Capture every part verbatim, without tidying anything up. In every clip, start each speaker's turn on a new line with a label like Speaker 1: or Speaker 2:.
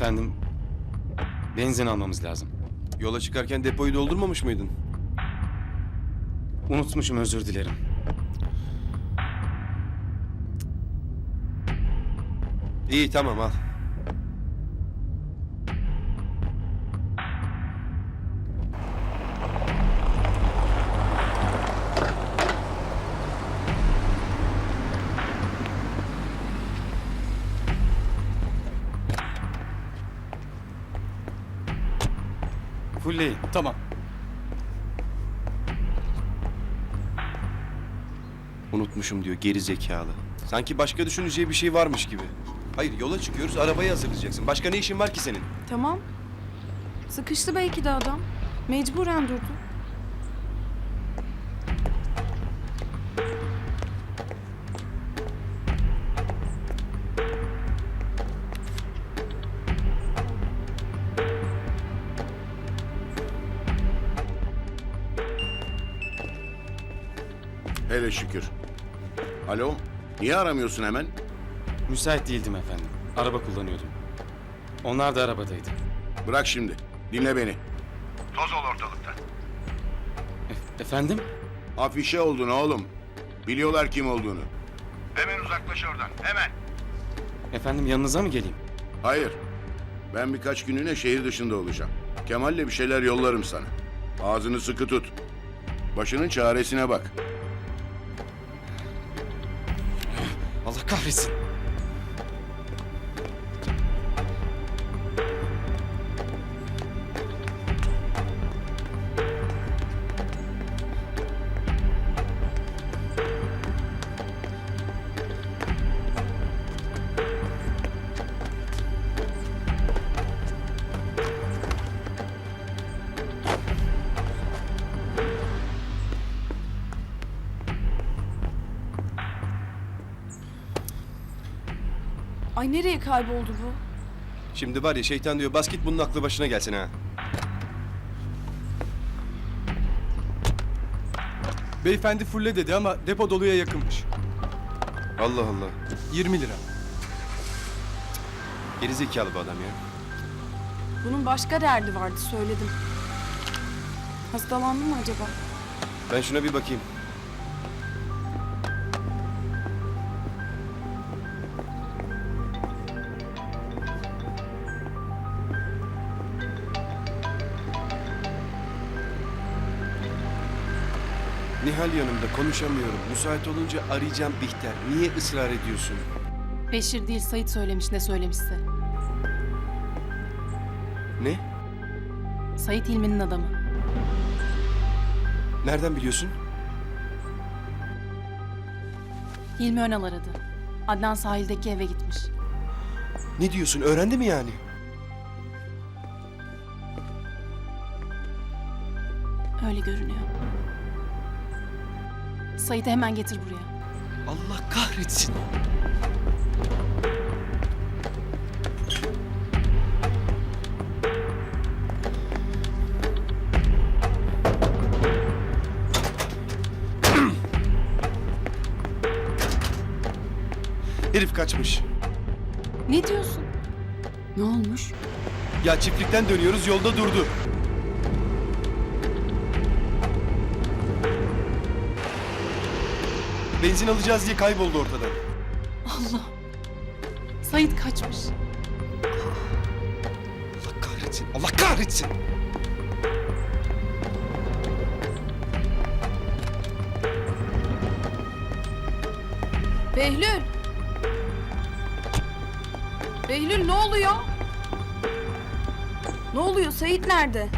Speaker 1: efendim. Benzin almamız lazım.
Speaker 2: Yola çıkarken depoyu doldurmamış mıydın?
Speaker 1: Unutmuşum, özür dilerim.
Speaker 2: İyi tamam al.
Speaker 1: Fullleyin.
Speaker 3: Tamam.
Speaker 2: Unutmuşum diyor geri zekalı. Sanki başka düşüneceği bir şey varmış gibi. Hayır yola çıkıyoruz arabayı hazırlayacaksın. Başka ne işin var ki senin?
Speaker 4: Tamam. Sıkıştı belki de adam. Mecburen durdu.
Speaker 5: Hele şükür. Alo, niye aramıyorsun hemen?
Speaker 1: Müsait değildim efendim. Araba kullanıyordum. Onlar da arabadaydı.
Speaker 5: Bırak şimdi, dinle beni. Toz ol ortalıkta.
Speaker 1: E- efendim?
Speaker 5: Afişe oldun oğlum. Biliyorlar kim olduğunu. Hemen uzaklaş oradan, hemen.
Speaker 1: Efendim yanınıza mı geleyim?
Speaker 5: Hayır, ben birkaç günlüğüne şehir dışında olacağım. Kemal'le bir şeyler yollarım sana. Ağzını sıkı tut. Başının çaresine bak.
Speaker 1: Allah kahretsin.
Speaker 4: Ay nereye kayboldu bu?
Speaker 2: Şimdi var ya şeytan diyor bas git bunun aklı başına gelsin ha.
Speaker 3: Beyefendi fulle dedi ama depo doluya yakınmış.
Speaker 2: Allah Allah.
Speaker 3: yirmi lira.
Speaker 2: Geri zekalı bu adam ya.
Speaker 4: Bunun başka derdi vardı, söyledim. Hastalandı mı acaba?
Speaker 2: Ben şuna bir bakayım. Nihal yanımda konuşamıyorum. Müsait olunca arayacağım Bihter. Niye ısrar ediyorsun?
Speaker 6: Beşir değil, Sait söylemiş ne söylemişse.
Speaker 2: Ne?
Speaker 6: Sait İlmi'nin adamı.
Speaker 2: Nereden biliyorsun?
Speaker 6: Hilmi Önal aradı. Adnan sahildeki eve gitmiş.
Speaker 2: Ne diyorsun? Öğrendi mi yani?
Speaker 6: Öyle görünüyor. Sait'i hemen getir buraya.
Speaker 2: Allah kahretsin. Herif kaçmış.
Speaker 6: Ne diyorsun?
Speaker 4: Ne olmuş?
Speaker 2: Ya çiftlikten dönüyoruz yolda durdu. Benzin alacağız diye kayboldu ortadan.
Speaker 6: Allah! Sait kaçmış.
Speaker 2: Allah kahretsin. Allah kahretsin.
Speaker 4: Behlül! Behlül ne oluyor? Ne oluyor? Sait nerede?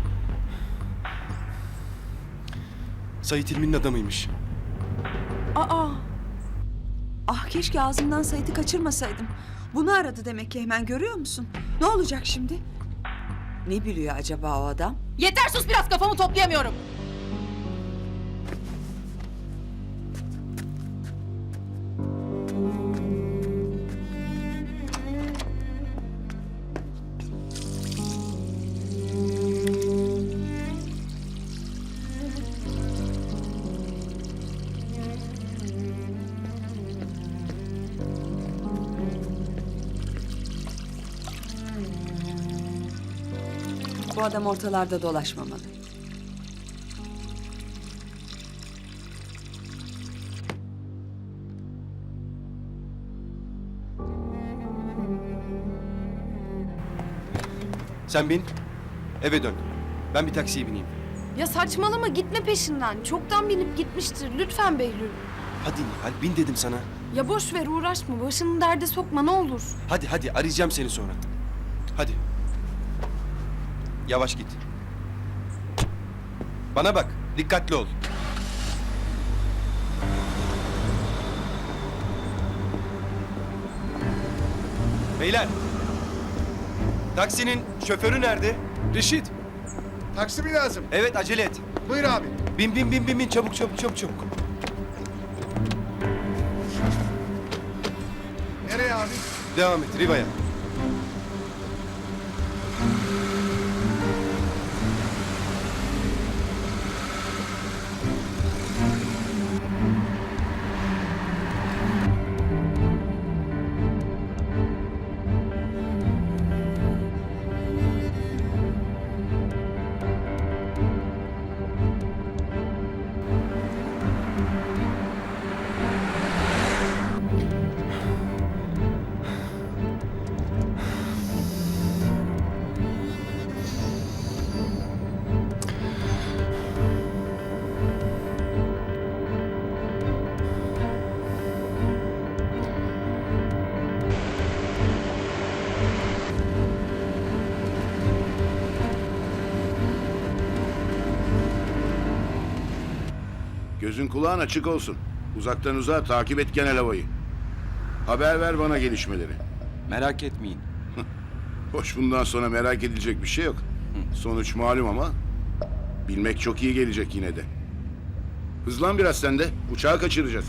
Speaker 2: Sait İlmi'nin adamıymış.
Speaker 4: Aa!
Speaker 7: Ah keşke ağzımdan Sait'i kaçırmasaydım. Bunu aradı demek ki hemen, görüyor musun? Ne olacak şimdi? Ne biliyor acaba o adam?
Speaker 6: Yeter sus biraz, kafamı toplayamıyorum.
Speaker 7: Bu adam ortalarda dolaşmamalı.
Speaker 2: Sen bin. Eve dön. Ben bir taksiye bineyim.
Speaker 4: Ya saçmalama, gitme peşinden. Çoktan binip gitmiştir. Lütfen Behlül.
Speaker 2: Hadi Nihal, bin dedim sana.
Speaker 4: Ya boş ver, uğraşma. Başını derde sokma ne olur.
Speaker 2: Hadi hadi, arayacağım seni sonra. Hadi. Yavaş git. Bana bak, dikkatli ol. Beyler. Taksinin şoförü nerede?
Speaker 3: Reşit,
Speaker 8: Taksi mi lazım?
Speaker 2: Evet, acele et.
Speaker 8: Buyur abi.
Speaker 2: Bin bin bin bin bin, çabuk çabuk çabuk çabuk.
Speaker 8: Nereye abi?
Speaker 2: Devam et, Riva'ya.
Speaker 5: Gözün kulağın açık olsun. Uzaktan uzağa takip et genel havayı. Haber ver bana gelişmeleri.
Speaker 9: Merak etmeyin.
Speaker 5: Hoş, bundan sonra merak edilecek bir şey yok. Sonuç malum ama bilmek çok iyi gelecek yine de. Hızlan biraz sen de. Uçağı kaçıracağız.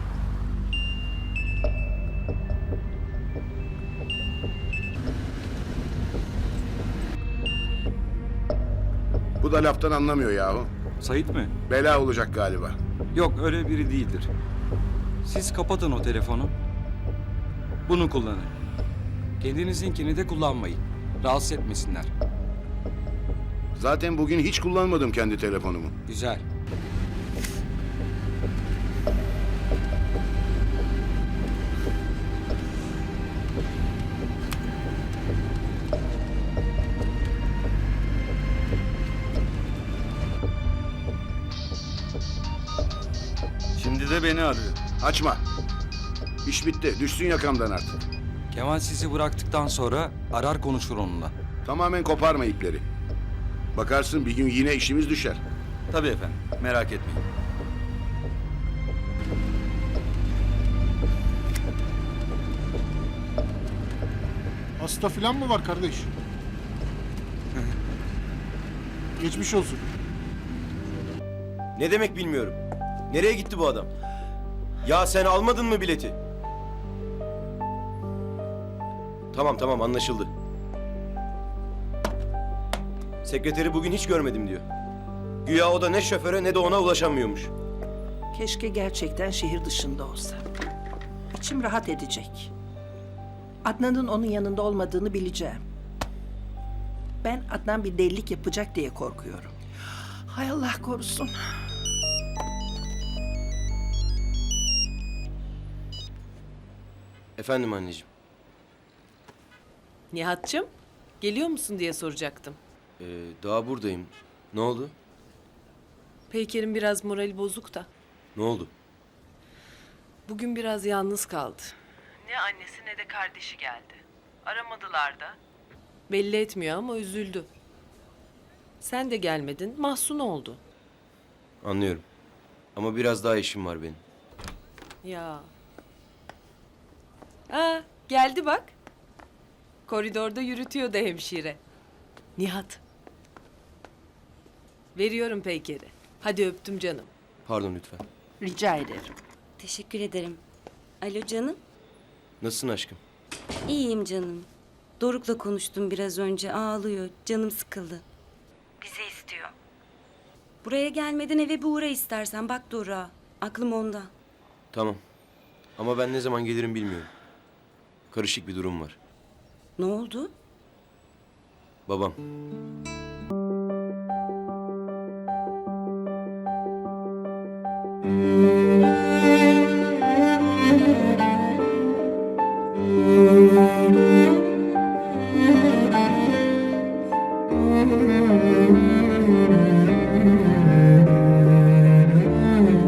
Speaker 5: Bu da laftan anlamıyor yahu.
Speaker 9: Sait mi?
Speaker 5: Bela olacak galiba.
Speaker 9: Yok, öyle biri değildir. Siz kapatın o telefonu. Bunu kullanın. Kendinizinkini de kullanmayın. Rahatsız etmesinler.
Speaker 5: Zaten bugün hiç kullanmadım kendi telefonumu.
Speaker 9: Güzel.
Speaker 1: Şimdi de beni arıyor.
Speaker 5: Açma. İş bitti. Düşsün yakamdan artık.
Speaker 9: Kemal sizi bıraktıktan sonra arar konuşur onunla.
Speaker 5: Tamamen koparma ipleri. Bakarsın bir gün yine işimiz düşer.
Speaker 1: Tabii efendim. Merak etmeyin.
Speaker 8: Hasta falan mı var kardeş? Geçmiş olsun.
Speaker 2: Ne demek bilmiyorum. Nereye gitti bu adam? Ya sen almadın mı bileti? Tamam tamam, anlaşıldı. Sekreteri bugün hiç görmedim diyor. Güya o da ne şoföre ne de ona ulaşamıyormuş.
Speaker 10: Keşke gerçekten şehir dışında olsa. İçim rahat edecek. Adnan'ın onun yanında olmadığını bileceğim. Ben Adnan bir delilik yapacak diye korkuyorum. Hay Allah korusun.
Speaker 2: Efendim anneciğim.
Speaker 11: Nihat'cığım, geliyor musun diye soracaktım.
Speaker 2: Ee, daha buradayım. Ne oldu?
Speaker 11: Peyker'in biraz morali bozuk da.
Speaker 2: Ne oldu?
Speaker 11: Bugün biraz yalnız kaldı. Ne annesi ne de kardeşi geldi. Aramadılar da. Belli etmiyor ama üzüldü. Sen de gelmedin, mahzun oldu.
Speaker 2: Anlıyorum. Ama biraz daha işim var benim.
Speaker 11: Ya. Aa, geldi bak. Koridorda yürütüyordu hemşire. Nihat. Veriyorum Peyker'i. Hadi öptüm canım.
Speaker 2: Pardon lütfen.
Speaker 10: Rica ederim.
Speaker 12: Teşekkür ederim. Alo canım.
Speaker 2: Nasılsın aşkım?
Speaker 12: İyiyim canım. Doruk'la konuştum biraz önce. Ağlıyor. Canım sıkıldı. Bizi istiyor. Buraya gelmeden eve bir uğra istersen. Bak Doruk'a. Aklım onda.
Speaker 2: Tamam. Ama ben ne zaman gelirim bilmiyorum. Karışık bir durum var.
Speaker 12: Ne oldu?
Speaker 2: Babam.
Speaker 12: Müzik